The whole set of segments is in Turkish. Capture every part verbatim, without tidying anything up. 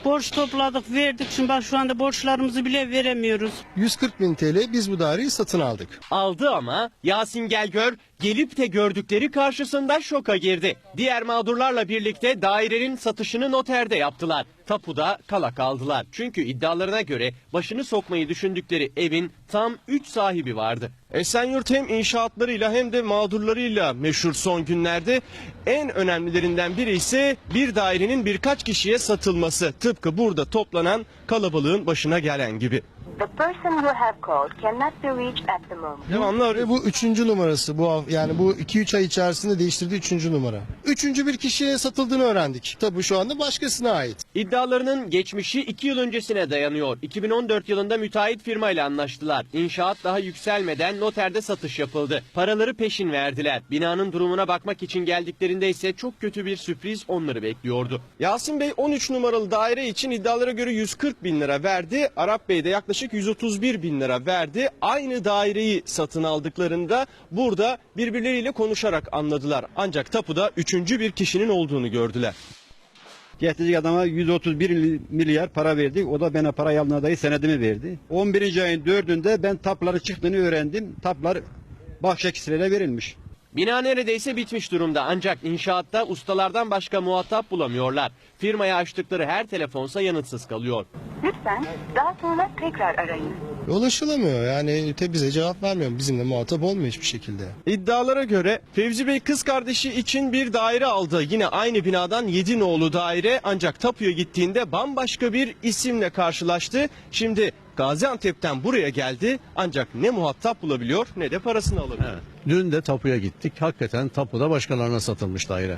Borç topladık, verdik. Şimdi bak şu anda borçlarımızı bile veremiyoruz. yüz kırk bin T L biz bu daireyi satın aldık. Aldı ama Yasin Gelgör gelip de gördükleri karşısında şoka girdi. Diğer mağdurlarla birlikte dairenin satışını noterde yaptılar. Tapuda kala kaldılar. Çünkü iddialarına göre başını sokmayı düşündükleri evin tam üç sahibi vardı. Esenyurt hem inşaatlarıyla hem de mağdurlarıyla meşhur son günlerde. En önemlilerinden biri ise bir dairenin birkaç kişiye satılması. Tıpkı burada toplanan kalabalığın başına gelen gibi. The person you have called cannot be reached at the moment. Devamlı Ve arıyor. bu üçüncü numarası. Bu hav- yani bu iki üç ay içerisinde değiştirdiği üçüncü numara. Üçüncü bir kişiye satıldığını öğrendik. Tabii şu anda başkasına ait. İddialarının geçmişi iki yıl öncesine dayanıyor. iki bin on dört yılında müteahhit firmayla anlaştılar. İnşaat daha yükselmeden noterde satış yapıldı. Paraları peşin verdiler. Binanın durumuna bakmak için geldiklerinde ise çok kötü bir sürpriz onları bekliyordu. Yasin Bey on üç numaralı daire için iddialara göre yüz kırk bin lira verdi. Arap Bey de yaklaşık yüz otuz bir bin lira verdi. Aynı daireyi satın aldıklarında burada birbirleriyle konuşarak anladılar. Ancak tapuda üçüncü bir kişinin olduğunu gördüler. Getirecek adama yüz otuz bir milyar para verdik. O da bana para aldığına dair senedimi verdi. on birinci ayın dördünde ben tapları çıktığını öğrendim. Taplar bahşişlere verilmiş. Bina neredeyse bitmiş durumda ancak inşaatta ustalardan başka muhatap bulamıyorlar. Firmaya açtıkları her telefonsa yanıtsız kalıyor. Lütfen daha sonra tekrar arayın. Ulaşılamıyor yani te bize cevap vermiyor. Bizimle muhatap olmuyor hiçbir şekilde. İddialara göre Fevzi Bey kız kardeşi için bir daire aldı. Yine aynı binadan yedi nolu daire ancak tapuya gittiğinde bambaşka bir isimle karşılaştı. Şimdi Gaziantep'ten buraya geldi ancak ne muhatap bulabiliyor ne de parasını alabiliyor. Evet. Dün de tapuya gittik. Hakikaten tapuda başkalarına satılmış daire.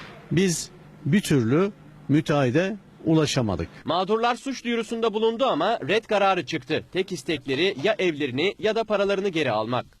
Biz bir türlü müteahhide ulaşamadık. Mağdurlar suç duyurusunda bulundu ama red kararı çıktı. Tek istekleri ya evlerini ya da paralarını geri almak.